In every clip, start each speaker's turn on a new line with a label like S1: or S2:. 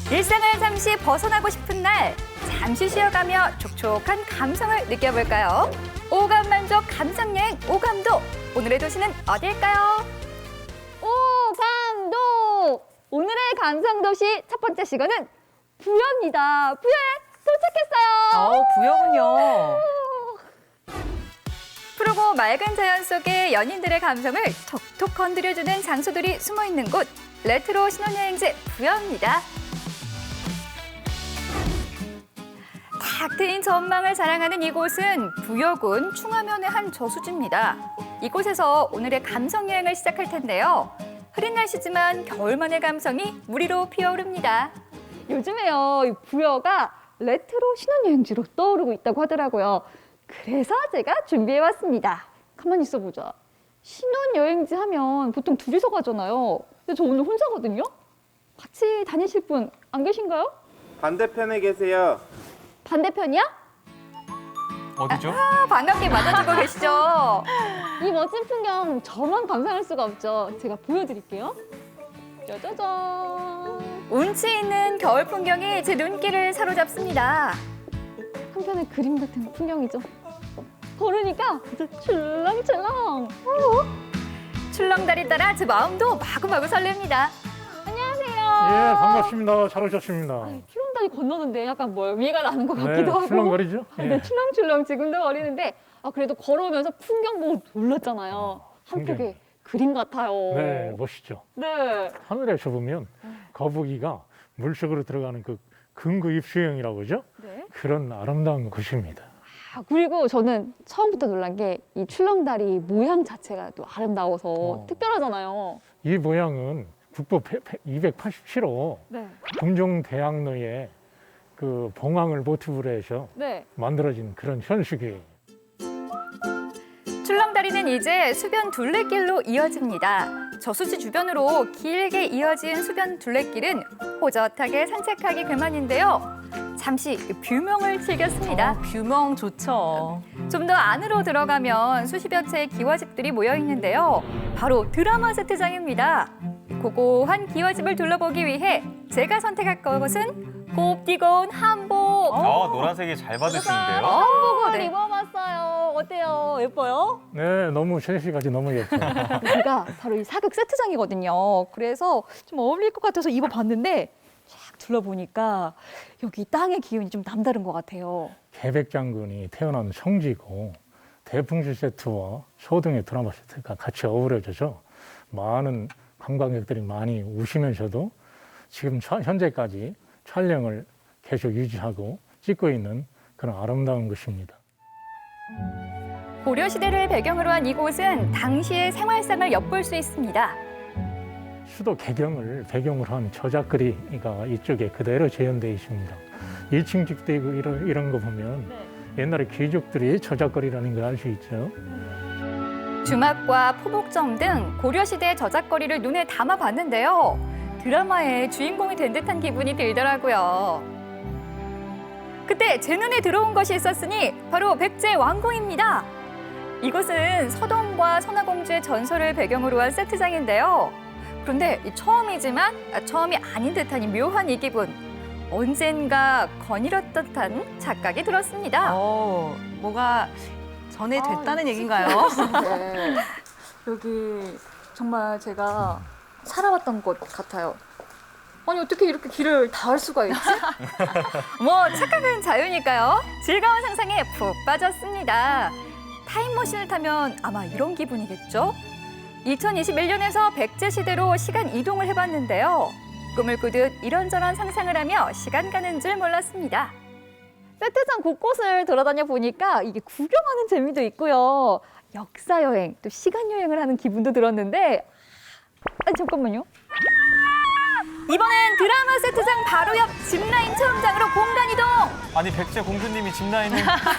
S1: 일상을 잠시 벗어나고 싶은 날, 잠시 쉬어가며 촉촉한 감성을 느껴볼까요? 오감 만족 감성여행 오감도. 오늘의 도시는 어딜까요?
S2: 오감도! 오늘의 감성도시 첫 번째 시간은 부여입니다. 부여에 도착했어요.
S3: 부여군요.
S1: 푸르고 맑은 자연 속에 연인들의 감성을 톡톡 건드려주는 장소들이 숨어있는 곳, 레트로 신혼여행지 부여입니다. 탁 트인 전망을 자랑하는 이곳은 부여군 충하면의 한 저수지입니다. 이곳에서 오늘의 감성여행을 시작할 텐데요. 흐린 날씨지만 겨울만의 감성이 무리로 피어오릅니다.
S2: 요즘에요, 이 부여가 레트로 신혼여행지로 떠오르고 있다고 하더라고요. 그래서 제가 준비해왔습니다. 가만히 있어보자. 신혼여행지 하면 보통 둘이서 가잖아요. 근데 저 오늘 혼자거든요? 같이 다니실 분 안 계신가요?
S4: 반대편에 계세요.
S2: 반대편이야?
S3: 어디죠?
S1: 반갑게 맞아주고 계시죠?
S2: 이 멋진 풍경 저만 감상할 수가 없죠. 제가 보여드릴게요. 짜자잔.
S1: 운치 있는 겨울 풍경이 제 눈길을 사로잡습니다.
S2: 한편의 그림 같은 풍경이죠. 걸으니까 진짜 출렁출렁.
S1: 출렁다리 따라 제 마음도 마구마구 설렙니다.
S2: 안녕하세요.
S5: 예, 반갑습니다. 잘 오셨습니다.
S2: 출렁다리 건너는데 약간 위가 나는 것 같기도
S5: 네,
S2: 하고.
S5: 출렁거리죠? 예.
S2: 네, 출렁출렁 지금도 거리는데 그래도 걸어오면서 풍경 보고 놀랐잖아요. 한
S5: 풍경이.
S2: 폭의 그림 같아요.
S5: 네, 멋있죠.
S2: 네.
S5: 하늘에서 보면 거북이가 물속으로 들어가는 그 근구입 수영이라고 그러죠?
S2: 네.
S5: 그런 아름다운 곳입니다.
S2: 그리고 저는 처음부터 놀란 게 이 출렁다리 모양 자체가 또 아름다워서 특별하잖아요.
S5: 이 모양은 국보 287호
S2: 네.
S5: 금종대학로의 그 봉황을 모티브로 해서
S2: 네.
S5: 만들어진 그런 현수기예요.
S1: 출렁다리는 이제 수변 둘레길로 이어집니다. 저수지 주변으로 길게 이어진 수변 둘레길은 호젓하게 산책하기 그만인데요. 잠시 뷰명을 즐겼습니다.
S3: 뷰명 좋죠.
S1: 좀 더 안으로 들어가면 수십여 채의 기와집들이 모여 있는데요. 바로 드라마 세트장입니다. 고고한 기와집을 둘러보기 위해 제가 선택할 것은 곱디고운 한복.
S3: 노란색이 잘 받으시는데요.
S1: 한복을
S2: 한번 입어봤어요. 어때요? 예뻐요?
S5: 네, 너무 제시까지 너무 예뻐요.
S2: 여기가 바로 이 사극 세트장이거든요. 그래서 좀 어울릴 것 같아서 입어봤는데 쫙 둘러보니까 여기 땅의 기운이 좀 남다른 것 같아요.
S5: 계백장군이 태어난 성지고 대풍시 세트와 소등의 드라마 세트가 같이 어우러져서 많은 관광객들이 많이 우시면서도 지금 현재까지 촬영을 계속 유지하고 찍고 있는 그런 아름다운 곳입니다.
S1: 고려시대를 배경으로 한 이곳은 당시의 생활상을 엿볼 수 있습니다.
S5: 수도 개경을 배경으로 한 저작거리가 이쪽에 그대로 재현되어 있습니다. 1층 집도 있고 이런 거 보면 옛날에 귀족들이 저작거리라는 걸 알 수 있죠.
S1: 주막과 포복점 등 고려시대 저작거리를 눈에 담아봤는데요. 드라마의 주인공이 된 듯한 기분이 들더라고요. 그때 제 눈에 들어온 것이 있었으니 바로 백제 왕궁입니다. 이곳은 서동과 선화공주의 전설을 배경으로 한 세트장인데요. 그런데 처음이지만 처음이 아닌 듯한 이 묘한 이 기분. 언젠가 거닐었던 듯한 착각이 들었습니다.
S3: 뭐가 전에 됐다는 얘기인가요?
S2: 네. 여기 정말 제가 살아왔던 곳 같아요. 아니 어떻게 이렇게 길을 다 할 수가 있지?
S1: 뭐 착각은 자유니까요. 즐거운 상상에 푹 빠졌습니다. 타임머신을 타면 아마 이런 기분이겠죠? 2021년에서 백제 시대로 시간 이동을 해봤는데요. 꿈을 꾸듯 이런저런 상상을 하며 시간 가는 줄 몰랐습니다.
S2: 세트장 곳곳을 돌아다녀 보니까 이게 구경하는 재미도 있고요. 역사 여행, 또 시간 여행을 하는 기분도 들었는데 아니 잠깐만요.
S1: 이번엔 드라마 세트장 바로 옆 짚라인 체험장으로 공간 이동!
S3: 아니 백제 공주님이 짚라인을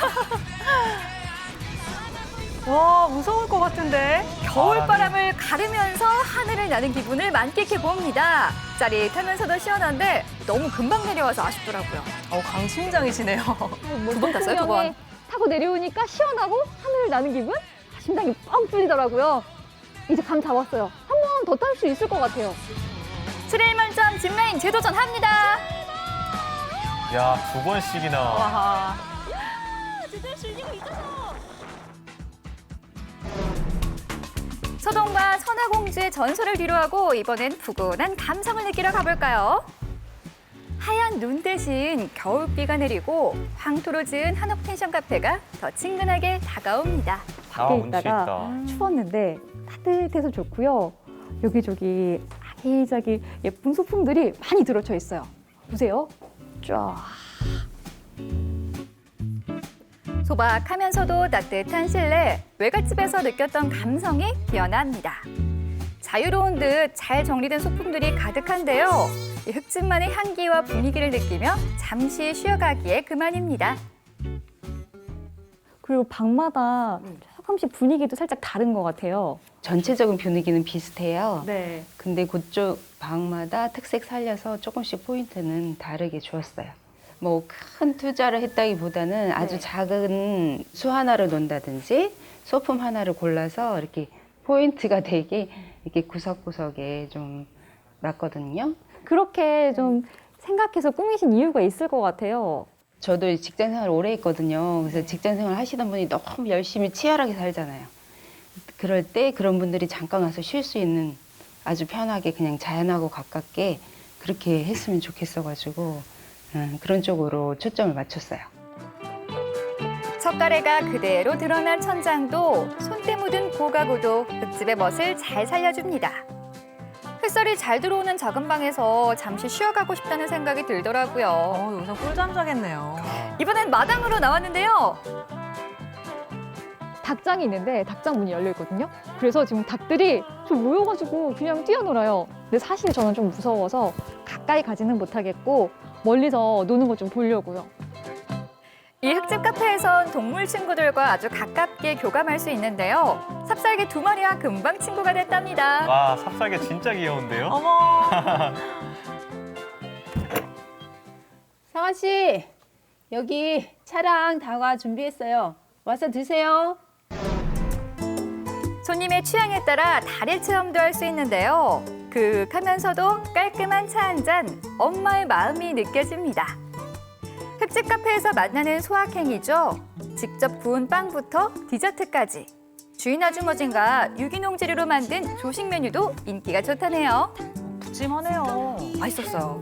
S3: 와 무서울 것 같은데.
S1: 겨울바람을 가르면서 하늘을 나는 기분을 만끽해 봅니다. 짜릿하면서도 시원한데 너무 금방 내려와서 아쉽더라고요.
S3: 강심장이시네요.
S1: 두 번 탔어요, 두 번.
S2: 타고 내려오니까 시원하고 하늘을 나는 기분? 심장이 뻥 뚫리더라고요. 이제 감 잡았어요. 한 번 더 탈 수 있을 것 같아요.
S1: 스릴 만점 짚라인 재도전합니다.
S3: 와.
S6: 2번씩이나.
S3: 와.
S1: 소동과 선화공주의 전설을 뒤로하고 이번엔 푸근한 감성을 느끼러 가볼까요? 하얀 눈 대신 겨울비가 내리고 황토로 지은 한옥 펜션 카페가 더 친근하게 다가옵니다.
S6: 아,
S2: 밖에
S6: 운치
S2: 있다가
S6: 있다.
S2: 추웠는데 따뜻해서 좋고요. 여기저기 아기자기 예쁜 소품들이 많이 들어쳐 있어요. 보세요. 쫙.
S1: 소박하면서도 따뜻한 실내, 외갓집에서 느꼈던 감성이 피어납니다. 자유로운 듯 잘 정리된 소품들이 가득한데요. 이 흙집만의 향기와 분위기를 느끼며 잠시 쉬어가기에 그만입니다.
S2: 그리고 방마다 조금씩 분위기도 살짝 다른 것 같아요.
S7: 전체적인 분위기는 비슷해요.
S2: 네.
S7: 근데 그쪽 방마다 특색 살려서 조금씩 포인트는 다르게 주었어요. 뭐 큰 투자를 했다기보다는 아주 작은 수 하나를 놓는다든지 소품 하나를 골라서 이렇게 포인트가 되게 이렇게 구석구석에 좀 놨거든요.
S2: 그렇게 좀 생각해서 꾸미신 이유가 있을 것 같아요.
S7: 저도 직장 생활 오래 했거든요. 그래서 직장 생활 하시던 분이 너무 열심히 치열하게 살잖아요. 그럴 때 그런 분들이 잠깐 와서 쉴 수 있는 아주 편하게 그냥 자연하고 가깝게 그렇게 했으면 좋겠어가지고 그런 쪽으로 초점을 맞췄어요.
S1: 석가래가 그대로 드러난 천장도 손때 묻은 고가구도 흙집의 멋을 잘 살려줍니다. 햇살이 잘 들어오는 작은 방에서 잠시 쉬어가고 싶다는 생각이 들더라고요.
S3: 여기서 꿀잠 자겠네요.
S1: 이번엔 마당으로 나왔는데요.
S2: 닭장이 있는데 닭장 문이 열려 있거든요. 그래서 지금 닭들이 좀 모여가지고 그냥 뛰어놀아요. 근데 사실 저는 좀 무서워서 가까이 가지는 못하겠고 멀리서 노는 거 좀 보려고요.
S1: 이 흙집 카페에선 동물 친구들과 아주 가깝게 교감할 수 있는데요. 삽살개 2마리와 금방 친구가 됐답니다.
S6: 와, 삽살개 진짜 귀여운데요?
S3: 어머.
S8: 상아 씨, 여기 차랑 다과 준비했어요. 와서 드세요.
S1: 손님의 취향에 따라 달일 체험도 할 수 있는데요. 그윽하면서도 깔끔한 차 한 잔, 엄마의 마음이 느껴집니다. 흙집 카페에서 만나는 소확행이죠. 직접 구운 빵부터 디저트까지. 주인 아주머니가 유기농 재료로 만든 조식 메뉴도 인기가 좋다네요.
S3: 푸짐하네요. 맛있었어요.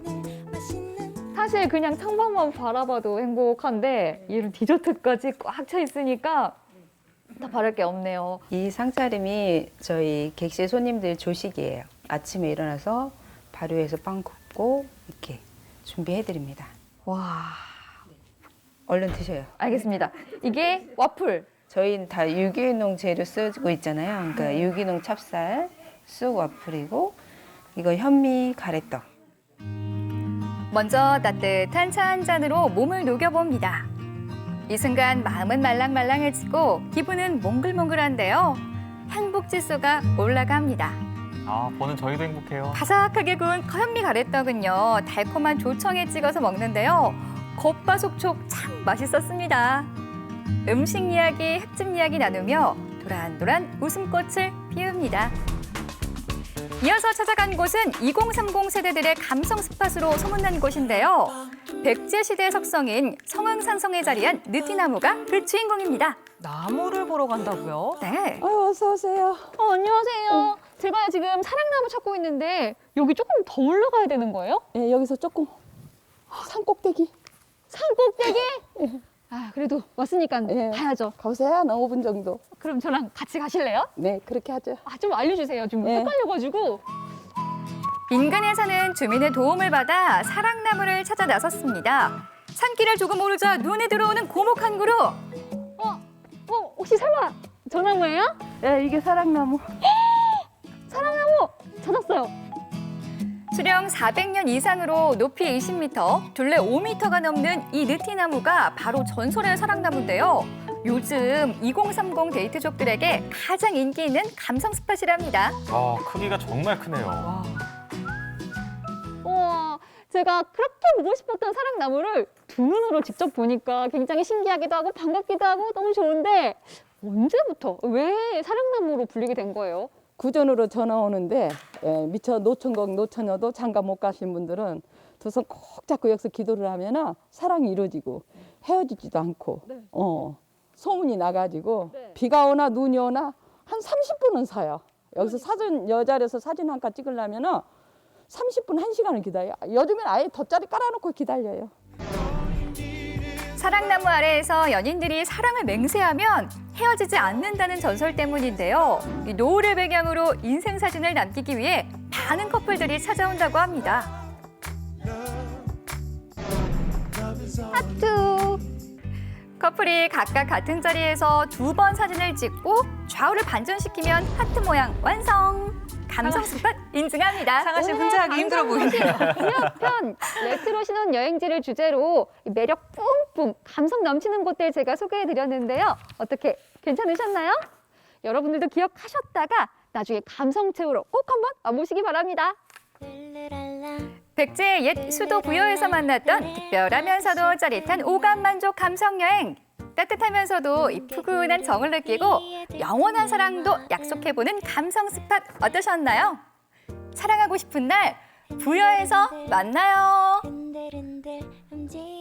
S2: 사실 그냥 창밖만 바라봐도 행복한데 이런 디저트까지 꽉 차 있으니까 더 바랄 게 없네요.
S7: 이 상차림이 저희 객실 손님들 조식이에요. 아침에 일어나서 발효해서 빵 굽고 이렇게 준비해드립니다.
S2: 와,
S7: 얼른 드셔요.
S2: 알겠습니다. 이게 와플.
S7: 저희는 다 유기농 재료 쓰고 있잖아요. 그러니까 유기농 찹쌀, 쑥 와플이고 이거 현미 가래떡.
S1: 먼저 따뜻한 차 한 잔으로 몸을 녹여봅니다. 이 순간 마음은 말랑말랑해지고 기분은 몽글몽글한데요. 행복 지수가 올라갑니다.
S6: 아, 보는 저희도 행복해요.
S1: 바삭하게 구운 현미 가래떡은요. 달콤한 조청에 찍어서 먹는데요. 겉바속촉 참 맛있었습니다. 음식 이야기, 흙집 이야기 나누며 도란도란 웃음꽃을 피웁니다. 이어서 찾아간 곳은 2030 세대들의 감성 스팟으로 소문난 곳인데요. 백제 시대 석성인 성흥산성에 자리한 느티나무가 그 주인공입니다.
S3: 나무를 보러 간다고요?
S1: 네.
S8: 어서 오세요.
S2: 안녕하세요. 제가 지금 사랑나무 찾고 있는데 여기 조금 더 올라가야 되는 거예요?
S8: 네, 여기서 조금 산꼭대기.
S2: 산꼭대기? 아, 그래도 왔으니까
S8: 네.
S2: 가야죠.
S8: 가보세요. 한 5분 정도.
S2: 그럼 저랑 같이 가실래요?
S8: 네, 그렇게 하죠.
S2: 아, 좀 알려주세요. 좀
S8: 네.
S2: 헷갈려가지고.
S1: 인근에 사는 주민의 도움을 받아 사랑나무를 찾아 나섰습니다. 산길을 조금 오르자 눈에 들어오는 고목한 그루.
S2: 혹시 설마 저 나무예요?
S8: 네, 이게 사랑나무.
S2: 사랑나무 찾았어요.
S1: 수령 400년 이상으로 높이 20m, 둘레 5m가 넘는 이 느티나무가 바로 전설의 사랑나무인데요. 요즘 2030 데이트족들에게 가장 인기 있는 감성 스팟이랍니다.
S6: 아, 크기가 정말 크네요.
S3: 와.
S2: 우와, 제가 그렇게 보고 싶었던 사랑나무를 두 눈으로 직접 보니까 굉장히 신기하기도 하고 반갑기도 하고 너무 좋은데 언제부터 왜 사랑나무로 불리게 된 거예요?
S8: 구전으로 전화 오는데 미처 노천곡 노처녀도 장가 못 가신 분들은 두 손 꼭 잡고 여기서 기도를 하면은 사랑이 이루어지고 헤어지지도 않고 소문이 나가지고 비가 오나 눈이 오나 한 30분은 서요. 여기서 사진 여자려서 사진 한 칸 찍으려면은 30분 1시간을 기다려요. 요즘엔 아예 돗자리 깔아놓고 기다려요.
S1: 사랑나무 아래에서 연인들이 사랑을 맹세하면 헤어지지 않는다는 전설 때문인데요. 이 노을을 배경으로 인생 사진을 남기기 위해 많은 커플들이 찾아온다고 합니다.
S2: 하트.
S1: 커플이 각각 같은 자리에서 2번 사진을 찍고 좌우를 반전시키면 하트 모양 완성! 감성 스팟 인증합니다.
S3: 상아 씨 혼자 하기 힘들어 보이네요.
S2: 편 레트로 신혼 여행지를 주제로 매력 뿜뿜 감성 넘치는 곳들 제가 소개해드렸는데요. 어떻게 괜찮으셨나요? 여러분들도 기억하셨다가 나중에 감성 채우러 꼭 한번 와보시기 바랍니다.
S1: 백제의 옛 수도 부여에서 만났던 특별하면서도 짜릿한 오감 만족 감성 여행. 따뜻하면서도 이 푸근한 정을 느끼고 영원한 사랑도 약속해보는 감성 스팟 어떠셨나요? 사랑하고 싶은 날 부여에서 만나요.